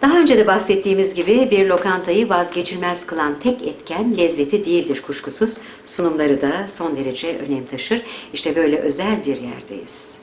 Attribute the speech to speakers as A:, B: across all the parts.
A: Daha önce de bahsettiğimiz gibi bir lokantayı vazgeçilmez kılan tek etken lezzeti değildir kuşkusuz. Sunumları da son derece önem taşır. İşte böyle özel bir yerdeyiz.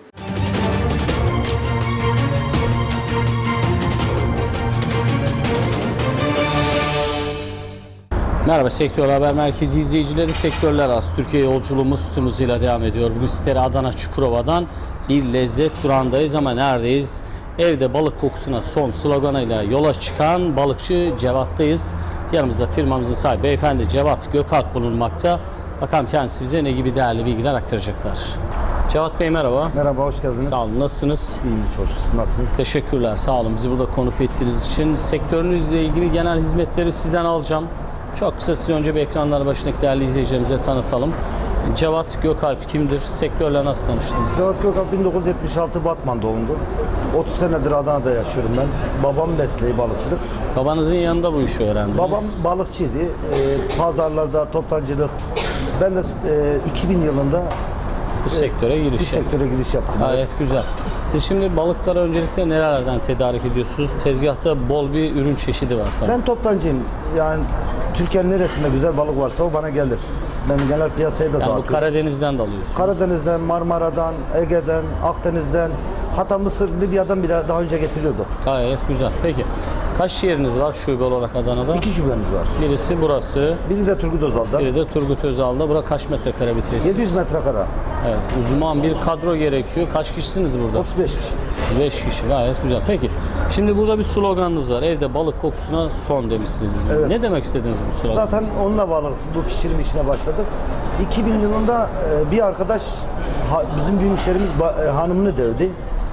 B: Merhaba Sektör Haber Merkezi izleyicileri, sektörler arası Türkiye yolculuğumuz tüm hızıyla devam ediyor. Bugün sizlere Adana Çukurova'dan bir lezzet durağındayız ama neredeyiz? Evde balık kokusuna son sloganıyla yola çıkan balıkçı Cevat'tayız. Yanımızda firmamızın sahibi beyefendi Cevat Gökalp bulunmakta. Bakalım kendisi bize ne gibi değerli bilgiler aktaracaklar. Cevat Bey merhaba.
C: Merhaba, hoş geldiniz.
B: Sağ olun, nasılsınız?
C: İyiyim, çok şükür. Nasılsınız?
B: Teşekkürler, sağ olun. Bizi burada konuk ettiğiniz için sektörünüzle ilgili genel hizmetleri sizden alacağım. Çok kısa size önce bir ekranlar başındaki değerli izleyicilerimize tanıtalım. Cevat Gökalp kimdir? Sektörle nasıl tanıştınız?
C: Cevat Gökalp 1976 Batman doğumlu. 30 senedir Adana'da yaşıyorum ben. Babam mesleği balıkçılık.
B: Babanızın yanında bu işi öğrendiniz.
C: Babam balıkçıydı. Pazarlarda toptancılık. Ben de 2000 yılında
B: bu sektöre
C: bu
B: giriş yaptınız.
C: sektöre giriş yaptım.
B: Gayet güzel. Siz şimdi balıkları öncelikle nerelerden tedarik ediyorsunuz? Tezgahta bol bir ürün çeşidi var tabii.
C: Ben toptancıyım. Yani Türkiye'nin neresinde güzel balık varsa o bana gelir. Ben genel piyasaya da
B: Yani bu
C: dağıtıyorum.
B: Karadeniz'den de alıyorsunuz.
C: Karadeniz'den, Marmara'dan, Ege'den, Akdeniz'den, hatta Mısır, Libya'dan bile daha önce getiriyorduk.
B: Gayet güzel. Peki kaç yeriniz var şube olarak Adana'da?
C: 2 şubemiz var.
B: Birisi burası,
C: Biri de Turgut Özal'da.
B: biri de Turgut Özal'da. Bura kaç metrekare bir tesis?
C: 700 metrekare.
B: Evet, uzman bir kadro gerekiyor. Kaç kişisiniz burada?
C: 35 kişi.
B: 5 kişi, gayet güzel. Peki, şimdi burada bir sloganınız var. Evde balık kokusuna son demişsiniz.
C: Evet.
B: Ne demek istediniz bu sloganınızda?
C: Zaten onunla bağlı bu pişirim işine başladık. 2000 yılında bir arkadaş bizim büyük müşterimiz hanımını dövdü.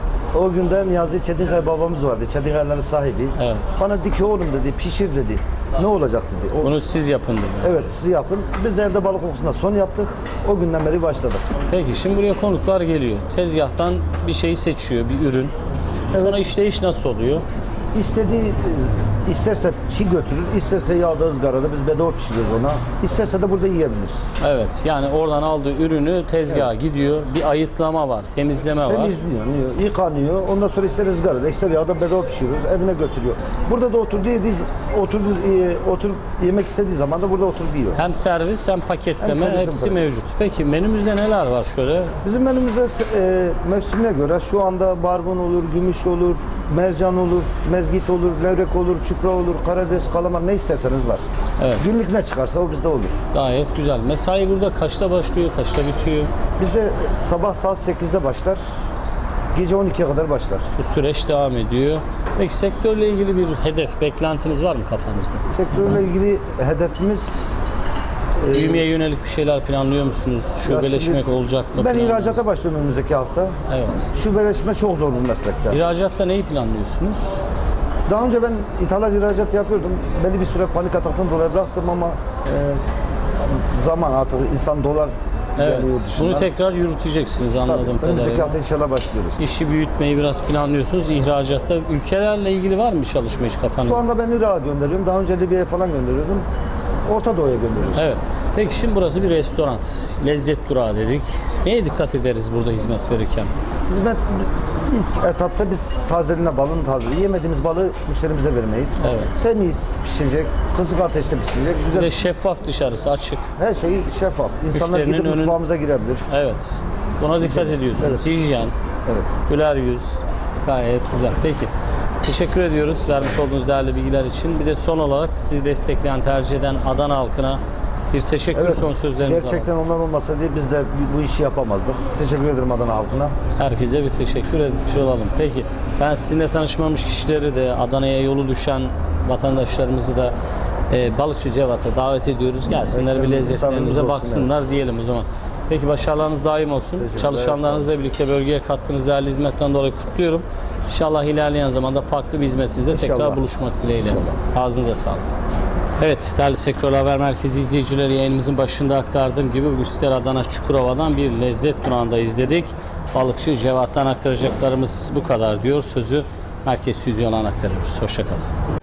C: O günden Niyazi Çetinkaya babamız vardı. Çetinkaya'ların sahibi.
B: Evet.
C: Bana di ki oğlum dedi, pişir dedi. Ne olacak dedi.
B: Bunu siz yapın dedi.
C: Evet, siz yapın. Biz de evde balık kokusuna son yaptık. O günden beri başladık.
B: Peki, şimdi buraya konuklar geliyor. Tezgahtan bir şeyi seçiyor, bir ürün. Sonra işleyiş nasıl oluyor?
C: İstediği, isterse çiğ götürür, isterse yağda ızgarada biz bedava pişiriyoruz ona. İsterse de burada yiyebilir.
B: Evet, yani oradan aldığı ürünü tezgaha gidiyor. Bir ayıtlama var, temizleme var.
C: Temizliyor, yıkanıyor. Ondan sonra ister ızgarada, ister yağda bedava pişiriyoruz, evine götürüyor. Burada da oturup yemek istediği zaman da burada oturup yiyor.
B: Hem servis hem paketleme
C: Hem servis, hem
B: hepsi
C: paket.
B: mevcut. Peki menümüzde neler var şöyle?
C: Bizim menümüzde mevsimine göre şu anda barbun olur, gümüş olur, mercan olur, mezgit olur, levrek olur, çupra olur, karides, kalamar ne isterseniz var.
B: Evet.
C: Günlük ne çıkarsa o bizde olur.
B: Gayet güzel. Mesai burada kaçta başlıyor, kaçta bitiyor?
C: Bizde sabah saat 8'de başlar, gece 12'ye kadar başlar.
B: Bu süreç devam ediyor. Peki sektörle ilgili bir hedef, beklentiniz var mı kafanızda?
C: Sektörle ilgili hedefimiz
B: Büyümeye yönelik bir şeyler planlıyor musunuz? Şubeleşmek
C: şimdi
B: olacak mı?
C: ben
B: planınız?
C: ihracata başlıyorum önümüzdeki hafta.
B: Evet.
C: Şubeleşme çok zor bir meslekte.
B: İhracatta neyi planlıyorsunuz?
C: Daha önce ben ihracat yapıyordum. Belli bir süre panik ataktan dolayı bıraktım ama zaman artık insan dolar
B: Evet.
C: geliyor dışına.
B: Bunu tekrar yürüteceksiniz anladığım
C: Tabii, önümüzdeki
B: kadarıyla.
C: hafta inşallah başlıyoruz.
B: İşi büyütmeyi biraz planlıyorsunuz. İhracatta ülkelerle ilgili var mı çalışma iş kafanızda?
C: Şu anda ben Irak'a gönderiyorum. Daha önce Libya'ya falan gönderiyordum. Orta Doğu'ya gönderiyoruz.
B: Evet. Peki şimdi burası bir restoran. Lezzet durağı dedik. Neye dikkat ederiz burada hizmet verirken?
C: Hizmet ilk etapta biz tazeliğine balın tazeliği. Yemediğimiz balığı müşterimize vermeyiz.
B: Evet.
C: Temiz pişecek, kısık ateşte pişecek.
B: Bir
C: Güzel.
B: de şeffaf dışarısı, açık.
C: Her şey şeffaf. İnsanlar
B: Müşterinin
C: gidip
B: önün-
C: mutfağımıza girebilir.
B: Evet. Buna dikkat ediyorsunuz.
C: Evet.
B: Hijyen,
C: Evet.
B: güler yüz. Gayet güzel. Peki. Teşekkür ediyoruz vermiş olduğunuz değerli bilgiler için. Bir de son olarak sizi destekleyen, tercih eden Adana halkına bir teşekkür son sözlerinizi alalım.
C: Gerçekten onlar olmasa diye biz de bu işi yapamazdık. Teşekkür ederim Adana halkına.
B: Herkese bir teşekkür etmiş olalım. Peki ben sizinle tanışmamış kişileri de Adana'ya yolu düşen vatandaşlarımızı da Balıkçı Cevat'a davet ediyoruz. Gelsinler bir lezzetlerinize
C: Misafirimiz
B: baksınlar diyelim o zaman. Peki başarılarınız daim olsun.
C: Teşekkürler,
B: Çalışanlarınızla birlikte bölgeye kattığınız değerli hizmetten dolayı kutluyorum. İnşallah ilerleyen zamanda farklı bir hizmetinizde tekrar
C: İnşallah.
B: buluşmak dileğiyle. Ağzınıza sağlık. Evet, değerli Sektör Haber Merkezi izleyicileri, yayınımızın başında aktardığım gibi bugün sizlere Adana Çukurova'dan bir lezzet durağında izledik. Balıkçı Cevat'tan aktaracaklarımız bu kadar diyor. Sözü merkez stüdyodan aktarıyoruz. Hoşça kalın.